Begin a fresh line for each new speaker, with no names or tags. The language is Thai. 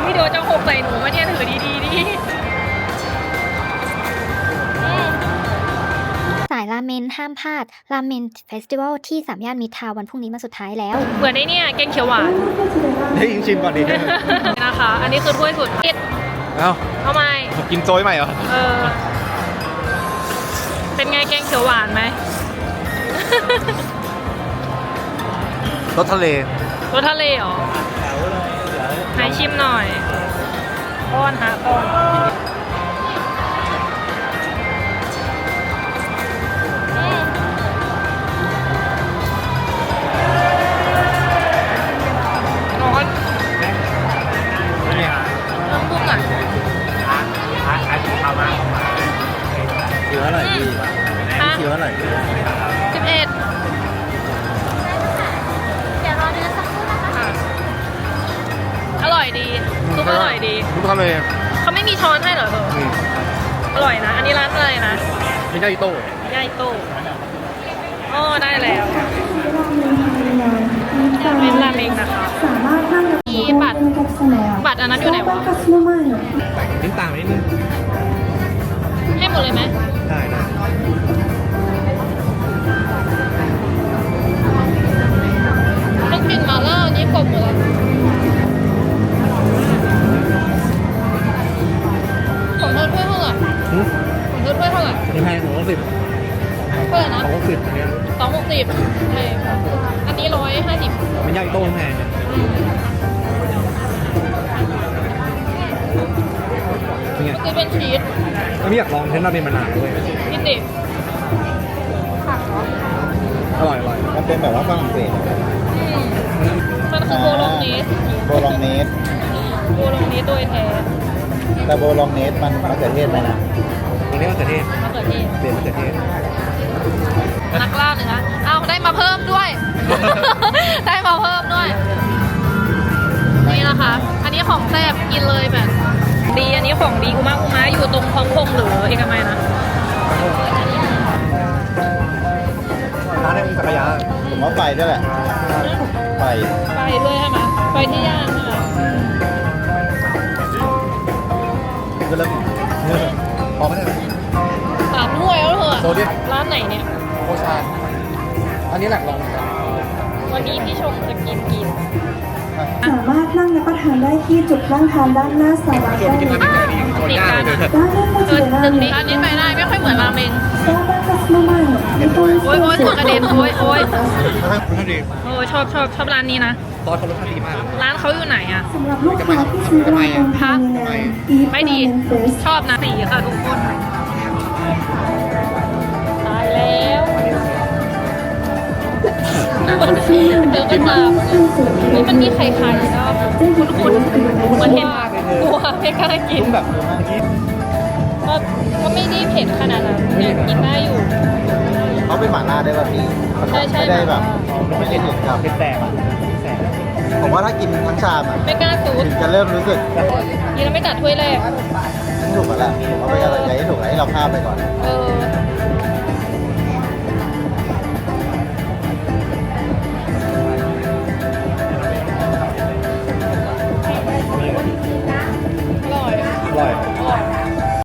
พี่โดจะหกใส่หนูมาเนี่ยถือดีๆดิ
สายราเมนห้ามพลาดราเมนเฟสติวัลที่สามย่านมิตรทาวน์วันพรุ่งนี้มาสุดท้ายแล้ว
เหมือนไอ้เนี่ยแกงเขียวหวาน
เฮ้ยชิมก่อนดิ
นะคะ อันนี้คือถ้วยสุดคิด
เอ้า
ทำไม
กินโซยใหม่เหรอ
เป็นไงแกงเขียวหวานไหม
รสทะเล
รสทะเลเหรอให้ชิมหน่อยป้อนฮะป้อนร้อนน้ำบุ้งอ่ะ
เยอะอร่อยดีเยอะอร่อย
11
เดี๋ยวรอเนื้อสักครู่นะคะ
อร่อยดีซุปอร่อยดี
ทุกทะเล
เขาไม่มีช้อนให้เหรอเธออร่อยนะ อันนี้ร้านอะไรนะ
ไม่ใช่โต้
ย่ายโต้อ๋อได้แล้วเป็นราเมงนะคะ
สามารถนั่งรับ
มีบัตร บัตรอันนั้นอยู่ไหนวะ
ลิ้นต่างนิดนึง
ให้หมดเลยไหม
ได้นะ
ต้องกินมาล่าอันนี้กบหมดแล้วของเธอถ้วยเท่าไหร่ของเธอถ้วยเท่าไหร่
ยังไงผมก็10
เท่าไหร่นะ
ผมก็10อันเนี้ย
260ใช่อันนี้150
มันย่างโต้แพงเป็นไง
คือเป็นชีส
ไม่อยากลองเทนราเมนมานานด้วย
กินดิ
อร่อยอร่อย
มันเป็นแบบว่าฝรั่งเศส
มันคือโบโลงเนส
โบลองเนส
โบโลงเนสโดยแท้
แต่โบลองเนสมันมะเขือเทศไหมนะ
อันนี้มะเขือเทศ
มะเขือเทศ
เปลี่ยนมะเขือเทศ
นักล่าเนื้ออ้าวได้มาเพิ่มด้วย ได้มาเพิ่มด้วย นี่นะคะ อันนี้ของแซ่บกินเลยแบบ ดี อันนี้ของดีกูมากกูม้าอยู่ตรงคลองพงหรือเอกมัยนะ
ร้านนี้มีจักรยาน
ผมว่าไปด้วยแหละไป
ไปด้วยใช่ไหมไปที่ย่านใช่ไหม
ก็เริ่มพอไหมเนี่ย
3 ถ้วยแล้วเถอะ
โซเดียม
ร้านไหนเนี่ย
โคชานอันนี้แหละลอง
วันนี้พี่ชมจะกิน
สามารถนั่งรับประทานได้ที่จุดนั่งทานด้านหน้าศาลา
ชวนกินราเมงไก่ดีตัวยากเลย
ด้านหน้าก็จะเป็นร้าน
ตึกนี้อันนี้ไปได้ไม่ค่อยเหมือนราเมง
โอ้ย
โอ้ยถั่วกระเด็นโอ้ย
ท่านดี
โอ้ยชอบร้านนี้นะ
ซอสเขารสชาติดีมาก
ร้านเขาอยู่ไหนอะ
สำหรับลูกค้าที่ซื้อราเมงภายในงาน
ไม่ดี ชอบนะสีค่ะทุกคน ตายแล้วเดินกันมานี่มันมีไข่ไข่ก็คุ้นๆเหมือนเห็นกลัวไม่กล้ากิน
ต้องแบบเมื่อกี้
ก็ไม่ได้เผ็ดขนาดนั้นเนี่ยกินได้อยู่
เขาเป็นหม่าล่าได้ป่ะพี่
ใช่ใช่
ไม่ได้แบบไม่ได้ถึงกับ
เป็นแสบอ่ะแสบ
ผมว่าถ้ากินทั้งชามอ่ะ
ไม่กล้าซูด
ถึงจะเริ่มรู้สึก
กินแล้วไม่จัดถ้วยแรก
ถูกแล้วแหละผมว่าไปอะไรให้ถูกให้เราข้ามไปก่อน
เออ